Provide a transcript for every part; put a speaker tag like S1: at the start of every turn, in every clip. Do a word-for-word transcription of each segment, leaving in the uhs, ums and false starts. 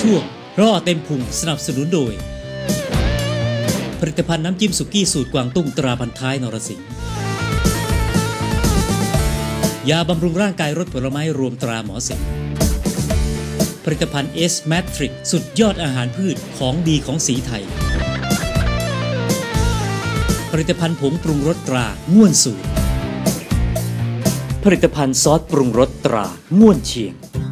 S1: ช่วงร่อเต็มพุงสนับสนุนโดยผลิตภัณฑ์น้ำจิ้มสุกี้สูตรกวางตุ้งตราพันท้ายนรสิงห์ยาบำรุงร่างกายรสผลไม้รวมตราหมอสิงห์ผลิตภัณฑ์เอสแมทริกสุดยอดอาหารพืชของดีของสีไทยผลิตภัณฑ์ผงปรุงรสตราง่วนสูตรผลิตภัณฑ์ซอสปรุงรสตราง่วนเชียง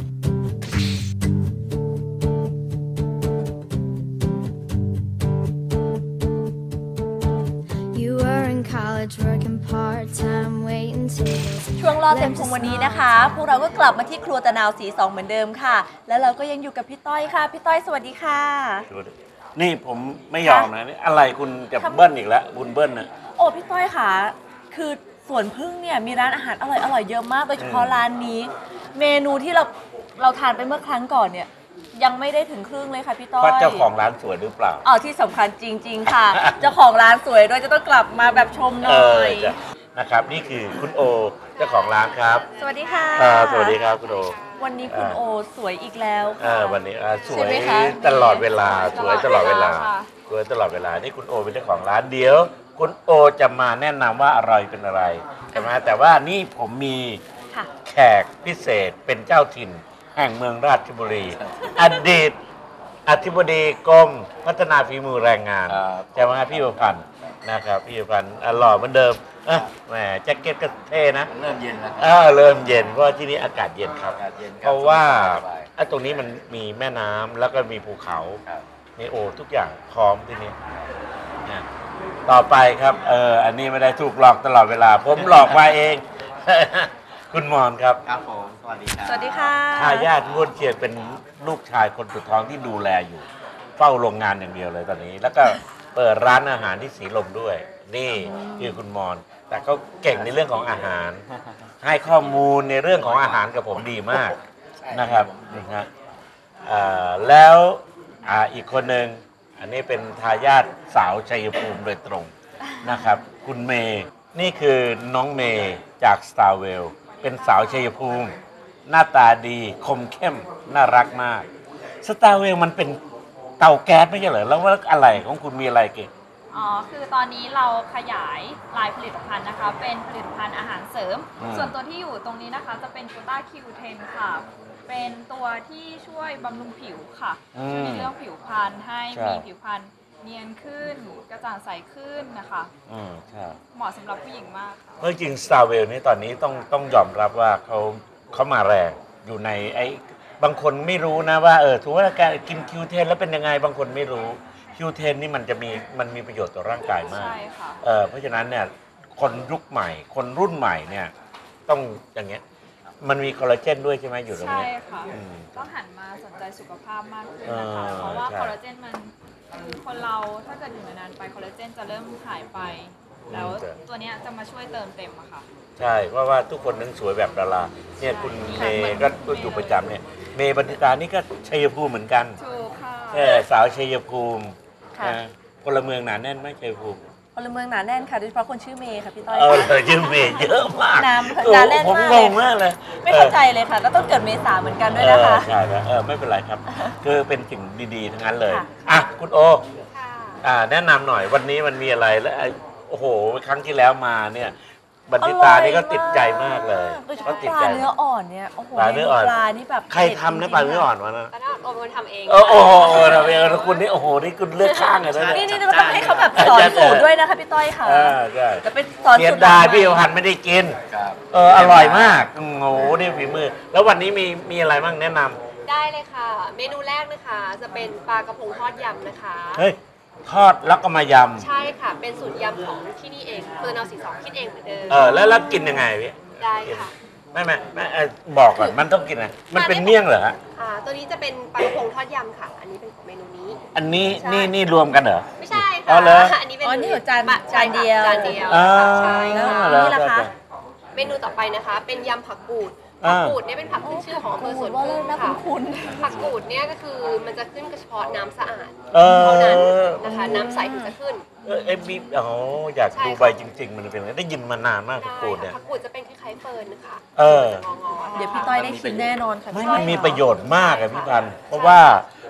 S2: ช่วงรอเต็มพุงวันนี้นะคะพวกเราก็กลับมาที่ครัวตะนาวสีสองเหมือนเดิมค่ะแล้วเราก็ยังอยู่กับพี่ต้อยค่ะพี่ต้อยสวัสดีค่ะ
S3: นี่ผมไม่ยอมนะนี่อะไรคุณจะเบิ้ลอีกแล้วคุณเบิ้ลนะ
S2: โอ้พี่ต้อยค่ะคือสวนพึ่งเนี่ยมีร้านอาหารอร่อยอร่อยเยอะมากโดยเฉพาะร้านนี้เมนูที่เราเราทานไปเมื่อครั้งก่อนเนี่ยยังไม่ได้ถึงครึ่งเลยค่ะพี่ต้อย
S3: ว่าเจ้าของร้านสวยหรือเปล่า
S2: อ๋อที่สำคัญจริงๆค่ะเจ้าของร้านสวยด้วยจะต้องกลับมาแบบชมหน่อย
S3: นะครับนี่คือคุณโอเจ้าของร้านครับ
S2: สวัสดีค่ะ
S3: สวัสดีครับคุณโอ
S2: วันนี้คุณโอสวยอีกแล้วค่ะ
S3: วันนี้สวยตลอดเวลาสวยตลอดเวลาสวยตลอดเวลานี่คุณโอเป็นเจ้าของร้านเดี๋ยวคุณโอจะมาแนะนำว่าอร่อยเป็นอะไรใช่ไหมแต่ว่านี่ผมมีแขกพิเศษเป็นเจ้าถิ่นแห่งเมืองราชบุรีอดีตอธิบดีกรมพัฒนาฝีมือแรงงานใช่ไหมพี่ประพันธ์นะครับพี่ประพันธ์หล่อเหมือนเดิมแหมแจ็คเก็ตก็เท่นะ
S4: เริ่มเย็นแล้ว
S3: เริ่มเย็นเพราะที่นี่อากาศเย็นครับเพราะว่าตรงนี้มันมีแม่น้ำแล้วก็มีภูเขามีโอทุกอย่างพร้อมที่นี่ต่อไปครับเอออันนี้ไม่ได้ถูกหลอกตลอดเวลาผมหลอกมาเองคุณมอนครับ
S4: ครับผมสวัสดีครับ
S2: สวัสดีค่ะ
S3: ทายาทง่วนเชียงเป็นลูกชายคนสุดท้องที่ดูแลอยู่เฝ้าโรงงานอย่างเดียวเลยตอนนี้แล้วก็เปิดร้านอาหารที่สีลมด้วยนี่คือคุณมอนแต่เขาเก่งในเรื่องของอาหารให้ข้อมูลในเรื่องของอาหารกับผมดีมากนะครับนะฮะแล้วอีกคนหนึ่งอันนี้เป็นทายาทสาวชัยภูมิโดยตรงนะครับคุณเมย์นี่คือน้องเมย์จาก Starwell เป็นสาวชัยภูมิหน้าตาดีคมเข้มน่ารักมาก Starwell มันเป็นเตาแก๊สไม่ใช่เหรอแล้วว่าอะไรของคุณมีอะไรเก่ง
S5: อ๋อคือตอนนี้เราขยายลายผลิตภัณฑ์นะคะเป็นผลิตภัณฑ์อาหารเสริมส่วนตัวที่อยู่ตรงนี้นะคะจะเป็นกูต้า คิว เท็น ค่ะเป็นตัวที่ช่วยบำรุงผิวค่ะช่วยในเรื่องผิวพรรณให้มีผิวพรรณเนียนขึ้นกระจ่างใสขึ้นนะคะ
S3: อืมใช่
S5: เหมาะสำหรับผู้หญิงมากค่ะ
S3: เมื่อจริง Starwell นี่ตอนนี้ต้องต้องยอมรับว่าเขาเขามาแรงอยู่ในไอ้บางคนไม่รู้นะว่าเออถือว่าการกิน คิว เท็น แล้วเป็นยังไงบางคนไม่รู้ คิว เท็น นี่มันจะมีมันมีประโยชน์ต่อร่างกายมาก
S5: ใช่ค่ะ
S3: เออเพราะฉะนั้นเนี่ยคนยุคใหม่คนรุ่นใหม่เนี่ยต้องอย่างเงี้ยมันมีคอลลาเจนด้วยใช่ไหมอยู่ตรงนี้
S5: ใช่ค่ะต้องหันมาสนใจสุขภาพมากขึ้นนะคะเพราะว่าคอลลาเจนมันคือคนเราถ้าเกิดอยู่นานๆไปคอลลาเจนจะเริ่มหายไปแล้วตัวนี้จะมาช่วยเติมเต็มอะค่ะ
S3: ใช่เพราะว่าทุกคนนั้นสวยแบบดาราเนี่ยคุณเมย์ก็อยู่ประจำเนี่ยเมย์บรรณิตานี่ก็ชัยภูมิเหมือนกัน
S5: ถูกค่ะ
S3: แค่สาวชัยภูมิพลเมืองหนาแน่นไหมชัยภูมิ
S2: พลเมืองหนาแน่นค่ะโดยเฉพาะคนชื่อเมย์ค่ะพี่ต้อย
S3: เออชื่อเมย์เยอะมาก
S2: น้ำหนาแน่นมาก
S3: ผมงงมากเลย
S2: ไม่เข้าใจเลยค่ะก็ต้องเกิดเมษาเหมือนกันด้วยนะคะ
S3: ใช่แล้วเออไม่เป็นไรครับคือเป็นสิ่งดีๆทั้งนั้นเลยอ่ะคุณโออ่าแนะนำหน่อยวันนี้มันมีอะไรแล้วโอ้โหครั้งที่แล้วมาเนี่ยบรรณิตานี่ก็ติดใจมากเลย
S2: เขาติดใจเนื้ออ่อนเนี่ยโอ้โห
S3: ปลาเนื้ออ่อน
S2: ปลานี่แบบ
S3: ใครทำนะปลาเนื้ออ่อนวะนะ
S5: ปลาเนื้ออ่อนโอมทำเอง
S3: โอ้โหทำเองแล้วคุณนี่โอ้โหนี่คุณเลือกข้างเลยนะ
S2: นี่นี่เราต้องให้เขาแบบสอนสูตรด้วยนะคะพี่ต้อยค่ะ
S3: ใช่
S2: จะเป็นสอนสูตร
S3: ได้พี่พันไม่ได้กินเอออร่อยมากโอ้โหนี่ฝีมือแล้ววันนี้มีมีอะไรบ้างแนะนำ
S5: ได้เลยค่ะเมนูแรกนะคะจะเป็นปลากระพงทอดยำนะคะ
S3: เฮ้ยทอดแล้วก็มายำ
S5: ใช่ค่ะเป็นสูตรยำของที่นี่เองเพื่อนเอาสีสองคิดเองเหมือนเดิม
S3: เออแล้วแล้วกินยังไงพี่
S5: ได้ค่ะ
S3: ไม่ไม่ไม่บอกก่อนมันต้องกินอะไรมันเป็นเมี่ยงเหรอฮะ
S5: อ่าตัวนี้จะเป็นปลากระพงทอดยำค่ะอันนี้เป็นของเมนูนี้
S3: อันนี้นี่นี่รวมกันเหรอ
S5: ไม่ใช่ค่ะอ๋อ
S3: เลย
S5: อันนี้เป็น
S2: อ๋อนี่จานจานเดียว
S5: จานเดียวใช่ค่ะ
S2: นี่แหละค่ะ
S5: เมนูต่อไปนะคะเป็นยำผักกูดผักกูดเนี่ยเป็นผักขึ้นชื่อของอำเภอสวนพึ่งค่ะผักกูดเนี่ยก็คือมันจะขึ้นเฉพาะน้ำสะอาดเท่านั้นนะคะน้ำใสถึงจะขึ้น
S3: เออเอ็มบีอ๋ออยากดูใบจริงๆมันเป็นไงได้ยินมานานมากผักกูดเนี่ย
S5: ผักกูดจะเป็นคล้ายๆเฟิร์นนะคะ
S3: เออ
S2: เดี๋ยวพี่ต้อยได้ชิมแน่นอนค่ะ
S3: ไม่มันมีประโยชน์มากอะพี่พันธุ์เพราะว่า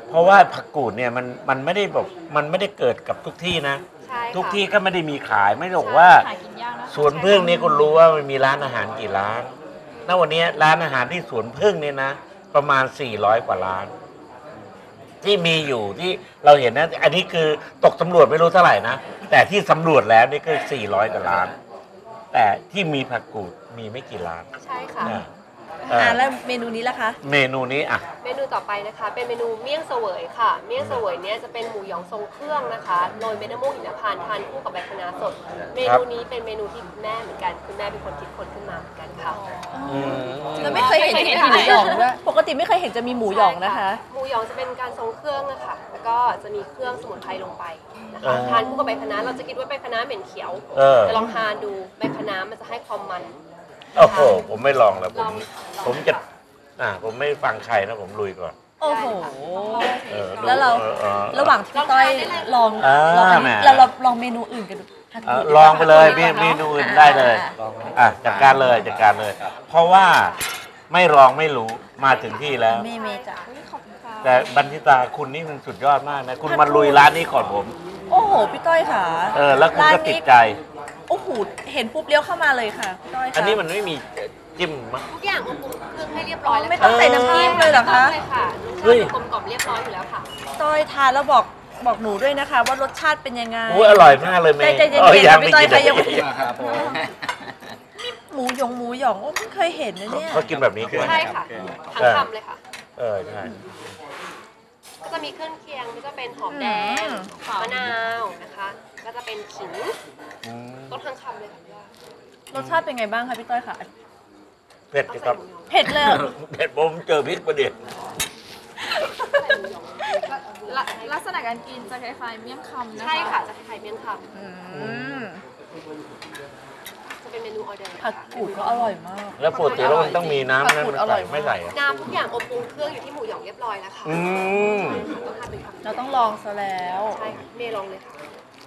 S3: เพราะว่าผักกูดเนี่ยมันมันไม่ได้แบบมันไม่ได้เกิดกับทุกที่นะ
S4: ใช่ค่ะ
S3: ทุกที่ก็ไม่ได้มีขายไม่ได้บอกว่า
S5: หากินยากนะ
S3: สวนพึ่งนี่คุณรู้ว่ามันมีร้านอาหารกี่ร้านณวันนี้ร้านอาหารที่สวนพึ่งเนี่ยนะ ประมาณสี่ร้อยกว่าร้าน ที่มีอยู่ที่เราเห็นนะ อันนี้คือตกสำรวจไม่รู้เท่าไหร่นะแต่ที่สำรวจแล้วนี่คือสี่ร้อยกว่าร้าน แต่ที่มีผักกูดมีไม่กี่ร้าน
S4: ใช่ค่ะ
S3: นะเออ
S2: อ่าแล้วเมนูนี้ล่ะคะ
S3: เมนูนี้อ่ะ
S4: เมนูต่อไปนะคะ เป็นเมนูเมี่ยงเสวยค่ะ เมี่ยงเสวยเนี่ยจะเป็นหมูหยองทรงเครื่องนะคะโรยเม็ดมะม่วงหิมพานต์ทานคู่กับใบคะน้าสด เมนูนี้เป็นเมนูที่คุณแม่เหมือนกันคุณแม่เป็นคนคิดค้นขึ้นมาเหมือนกันค่ะ
S2: แล้วไม่เคยเห็นที่มีหมูหยองด้วยปกติไม่เคยเห็นจะมีหมูหยองนะคะ
S4: หมูหยองจะเป็นการทรงเครื่องนะคะแล้วก็จะมีเครื่องสมุนไพรลงไปนะ
S3: เอ
S4: คะ
S3: อ
S4: ทานคู่กับใบคะน้าเราจะคิดว่าใบคะน้าเหม็นเขียว
S3: เออ
S4: แต่ลองทานดูใบคะน้ามันจะให้ความมัน
S3: โอ้โหผมไม่ลองแล้วผ
S4: ล
S3: ม
S4: อง
S3: ผมจะอ่าผมไม่ฟังใครนะผมลุยก่อน
S2: โอ้โห
S3: เออ
S2: แล้วเรา
S3: ออออ
S2: ระหว่างที่พี่ต้อยลอง
S3: อ่า
S2: ลองอันนี้
S3: แหม
S2: เราเราลองเมนูอื่นกันดูผัก
S3: เอ
S2: กู
S3: อ
S2: ดดีก
S3: ล
S2: ว่า
S3: องไปเลย
S2: ผักกู
S3: เม
S2: ดดีกว่า
S3: เมนูอื่นได้เลย อ่ะจัดการเลยจัดการเลย เพราะว่าไม่ลองไม่รู้มาถึงที่แล้ว
S2: เมเมจ้ะ
S5: ขอบคุณค่ะ
S3: แต่บันทิตาคุณนี่มันสุดยอดมากนะ คุณมาลุยร้านนี้ก่อนผม
S2: โอ้โหพี่ต้อยค่ะ
S3: เออ แล้วคุณก็ติดใจ
S2: โอ้โหเห็นปุ๊บเลี้ยวเข้ามาเลยค่ะพี่ต้อยค่ะ
S3: อันนี้มันไม่มีจิ้มมั้ง
S4: ทุกอย่างอบปรุงเครื่องให้เรียบร้อยแล้ว
S2: ไม่ต้องใส่น้ำจิ้มเลยเหรอคะ
S4: ไม่ต้องเลยค่ะรส
S3: เฮ้
S4: ชาย ติกลมกล่อมเรียบร้อยอยู่แล้วค่ะ
S2: ต้อยทานแล้วบอกบอกหนูด้วยนะคะ ว่ารสชาติเป็นยังไง
S3: อุ้ยอร่อยมากเลยเมย์
S2: ใจเย็นๆ
S3: อ้
S2: พี่ต้อย
S3: ไม่
S2: ใครยัง
S3: กิน
S6: ครับผม
S2: หมูหยองหมูหยองโอ้เพิ่งเคยเห็นนะเนี่ย
S3: เขากินแบบนี้ใช่ไหม
S4: ใช่ค่ะทั้งคำเลยค่ะ
S3: เออใช่
S4: ก็จะมีเครื่องเคียงก็จะเป็นหอมแดง
S2: อืม
S4: มะนาวนะคะ ก็จะเป็นขิง
S3: อืม
S4: ต้นทั้งคำเลยค่ะพี่ว่าร
S2: สชาติเป็นไงบ้างคะพี่ต้อยค่ะ
S3: เผ็ด
S4: เอา
S3: สิค
S4: ใส่
S3: รับ
S4: หมูหยอง
S2: เผ็ดเลยเหรอ
S3: เผ็ดผมเจอพริกประเดี๋ยว
S4: ใส่หมูหยอง
S5: ลักลักษณะการกินจะคล้ายๆเมี่ยงคำนะคะ
S4: ใช่ค่ะจะคล้ายๆเมี่ยงค
S2: อืม
S4: ำจะเป็นเมนูออเดอร์
S2: ผักกูดก็อร่อยมาก
S3: แล้วปกติแล้วมันต้องมีน้ำนั่น
S2: ผักกูด
S3: มัน
S2: อร่
S3: ใส่
S2: อยมาก
S3: ไม่ใส่อะ
S4: น้ำทุกอย่างอบปรุงเครื่องอยู่ที่หมูหยองเรียบร้อยแล้วค่ะ
S3: อืม
S4: ต้องทานเป็นคำ
S2: เราต้องลองซะแล้ว
S4: ใช่ค่ะเมย์ลองเลยค่ะ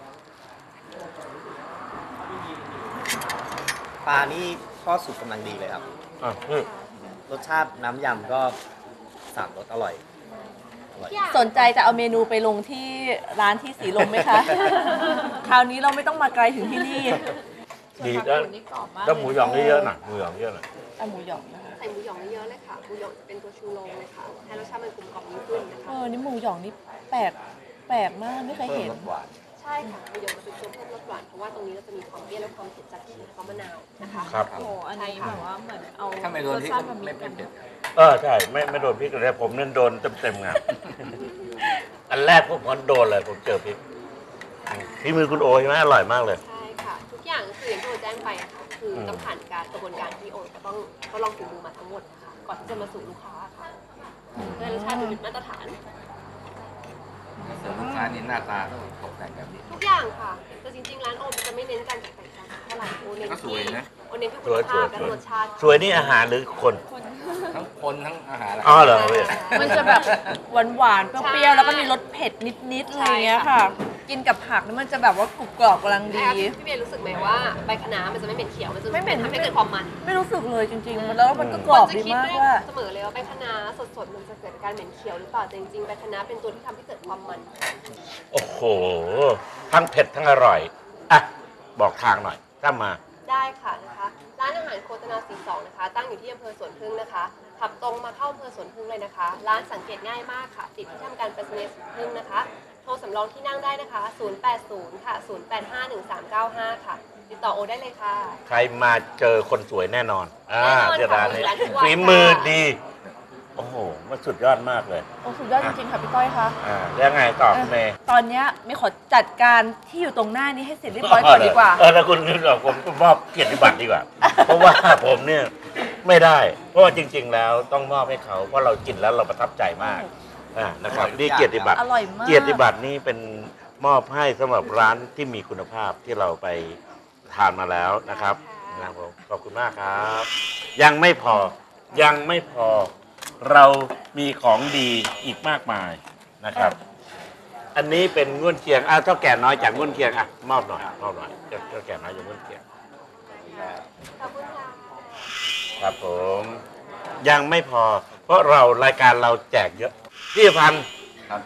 S6: ปลานี่ทอดสุกกำลังดีเลยครับ
S3: อ่ะนี่
S6: รสชาติน้ำยำก็สามรสอร่อย
S2: สนใจจะเอาเมนูไปลงที่ร้านที่สีลมไหมคะ คราวนี้เราไม่ต้องมาไกลถึงที่นี่
S5: ส่วน
S3: ดี
S5: ผัก
S3: แล้ว
S5: กูดนี่กรอบมาก
S3: แล้วหมูหยองเยอะๆหน่อยหมูหยองเยอะหน่อย
S2: เอาหมูหยองนะคะ
S4: ใส่หมูหยองเยอะๆเลยค่ะหมูหยองจะเป็นตัวชูโรงเลยค่ะให้รสชาติมันกลมกล่อมยิ่งขึ้นนะ
S2: เอ
S4: คะ
S2: อนี่หมูหยองนี่แปลกแปลกมากไม่เคย
S6: เพิ่ม
S2: เห็น
S6: รสหวาน
S4: ใช่ค่ะหมูหยองจะเป็นตัวเพิ่มรสหวานเพราะว่าตรงนี้เราจะมีความเปรี้ยวและความเผ็ดจากขิงและก็มะนาวนะคะ
S3: ครับ
S5: โอ้โหอันนี้แบบว่าเหมือนเอา
S6: ถ้าไม่โดนที่
S5: รสชาติ
S6: ก็
S5: แบบ
S6: ไม่
S5: นี้
S6: เป็
S5: กัน น
S6: เผ็ด
S3: เออใช่ไม่ไม่โดนพริกเลยผมนั่นโดนเต็มๆไง อันแรกผมก็โดนเลยผมเจอพริกพี่มือคุณโอใช่ไหมอร่อยมากเลย
S4: ใช่ค่ะ ทุกอย่างคืออย่างที่โอแจ้งไปอะค่ะคือต้องผ่านการกระบวนการที่โอจะต้องทดลองฝีมือมาทั้งหมดนะคะก่อนที่จะมาสู่ลูกค้าค่ะเพื่อให้รสชาติมันเป็นมาตรฐาน
S6: เดี๋ยวลูกค้านี่หน้าตาต้องตกแต่งแบบนี้
S4: ทุกอย่างค่ะ แต่จริงๆ ร้านโอมจะไม่เน้นการตกแต่งจานเท่าไหร่โอเน้น
S6: ก็ส
S4: ที่
S6: วยนะ
S4: โอเน้นที่คุณภาพและรสชาติ
S3: สวยนี่อาหารหรือคน
S6: ทั้งคนทั้งอาหาร
S3: อ๋อเหรอพี่
S2: มันจะแบบหวานหวานๆเปรี้ยวๆแล้วก็มีรสเผ็ดนิดๆอะไรอย่างเงี้ยค่ะ กินกับผักนี่มันจะแบบว่ากรุบกรอบกำลังดี
S4: พี่เบียร์รู้สึกไหมว่าใบคะน้ามันจะไม่เหม็นเขียว มันจะ
S2: ไม่เหม็น
S4: ทำให้เกิดความมัน
S2: ไม่รู้สึกเลยจริงๆ แล้วมันก็กรอบ
S4: จะ
S2: ดี
S4: คิด
S2: มาก
S4: ด้วย
S2: ว่า
S4: เสมอเลยว่าใบคะน้าสดๆ มันจะเกิดการเหม็นเขียวหรือเปล่า แต่จริงๆ ใบคะน้าเป็นตัวที่ทำให้เกิดความมัน
S3: โอ้โห ทั้งเผ็ดทั้งอร่อย อ่ะ บอกทางหน่อย ถ้ามา
S4: ได้ค่ะนะคะ ร้านอาหารโคตนาสีสองนะคะ ตั้งอยู่ที่อำเภอสวนพึ่งนะคะ ขับตรงมาเข้าอำเภอสวนพึ่งเลยนะคะ ร้านสังเกตง่ายมากค่ะ ติดที่ทำการไปรษณีย์สวนพึ่งนะคะ โทรสำรองที่นั่งได้นะคะ ศูนย์ แปด ศูนย์ ค่ะ ศูนย์ แปด ห้า หนึ่ง สาม เก้า ห้า ค่ะ ติดต่อโอได้เลยค่ะ
S3: ใครมาเจอคนสวยแน่นอน อ่า
S4: แน่นอน
S3: เจอร้านนี้
S4: ค่ะร้านทุกวัน
S3: ฝีมือดี โอ้โห มันสุดยอดมากเลย
S2: โอ้สุดยอดจริงๆ ค่ะพี่ก้อยคะ
S3: อ่าแล้วไงต่อคุณเมย์
S2: ตอนเนี้ยไม่ขอจัดการที่อยู่ตรงหน้านี้ให้เสร็จเรียบร้อยก่อนดีกว่า
S3: เออแล้วคุณผมก็มอบเกียรติบัตรดีกว่า เพราะว่าผมเนี่ยไม่ได้ เพราะว่าจริง ๆ แล้วต้องมอบให้เขา เพราะเรากินแล้วเราประทับใจมาก อ่า นะครับ นี่เกียรติบัตร
S2: อร่อยมาก
S3: เกียรติบัตรนี่เป็นมอบให้สำหรับร้านที่มีคุณภาพที่เราไปทานมาแล้วนะครับนะครับผมขอบคุณมากครับ ยังไม่พอ ยังไม่พอ เรามีของดีอีกมากมายนะครับ อันนี้เป็นง่วนเคียงอ่ะเท่าแก่น้อยจากง่วนเคียงอ่ะมอบหน่อยมอบหน่อยเจ้าเท่าแก่น้อยจากง่วนเคียง
S4: ขอบคุณค่ะ
S3: ครับผม ยังไม่พอ เพราะเรารายการเราแจกเยอะพี่พันธ์
S6: ครับ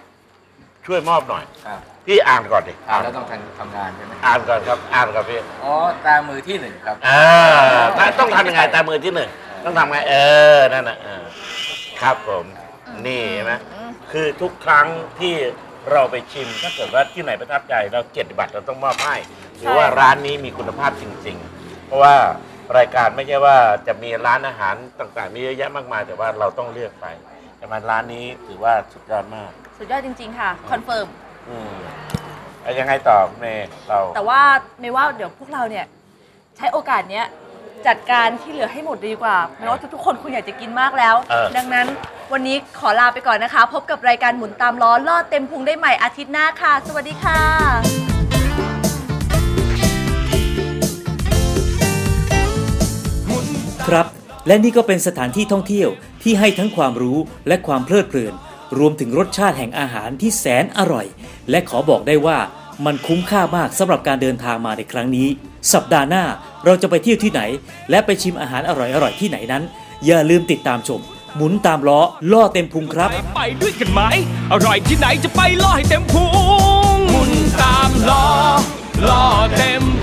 S3: ช่วยมอบหน่อย
S6: ครับ
S3: พี่อ่านก่อนดิ
S6: อ่านแล้วต้องทำทำงานใช่ไหม
S3: อ่านก่อนครับอ่านก่อนพี่
S6: อ๋อตามือที่หนึ่งครับ
S3: อ่าต้องทำยังไงตามมือที่หนึ่งต้องทำไงเออนั่นน่ะเออครับผมนี่เห็นไหมคือทุกครั้งที่เราไปชิมถ้าเกิดว่าที่ไหนประทับใจเราเกียรติบัตรเราต้องมอบให้หรือว่าร้านนี้มีคุณภาพจริง ๆ เพราะว่ารายการไม่ใช่ว่าจะมีร้านอาหารต่างๆมีเยอะแยะมากมายแต่ว่าเราต้องเลือกไปแต่มันร้านนี้ถือว่าสุดยอดมาก
S2: สุดยอดจริง ๆ ค่ะ คอนเฟิร์ม
S3: อืมแล้วยังไงต่อเมย์เรา
S2: แต่ว่าไม่ว่าเดี๋ยวพวกเราเนี่ยใช้โอกาสเนี้ยจัดการที่เหลือให้หมดดีกว่าไม่ว่าทุกๆคนคุณอยากจะกินมากแล้ว
S3: เออ
S2: ดังนั้นวันนี้ขอลาไปก่อนนะคะ พบกับรายการหมุนตามล้อลอดเต็มพุงได้ใหม่อาทิตย์หน้าค่ะ สวัสดีค่ะ
S1: ครับและนี่ก็เป็นสถานที่ท่องเที่ยวที่ให้ทั้งความรู้และความเพลิดเพลินรวมถึงรสชาติแห่งอาหารที่แสนอร่อยและขอบอกได้ว่ามันคุ้มค่ามากสำหรับการเดินทางมาในครั้งนี้สัปดาห์หน้าเราจะไปเที่ยวที่ไหนและไปชิมอาหารอร่อยๆที่ไหนนั้นอย่าลืมติดตามชมหมุนตามล้อล่อเต็มพุงครับ
S7: ไปด้วยกันไหมอร่อยที่ไหนจะไปล่อให้เต็มพุงหมุนตามล้อล่อเต็ม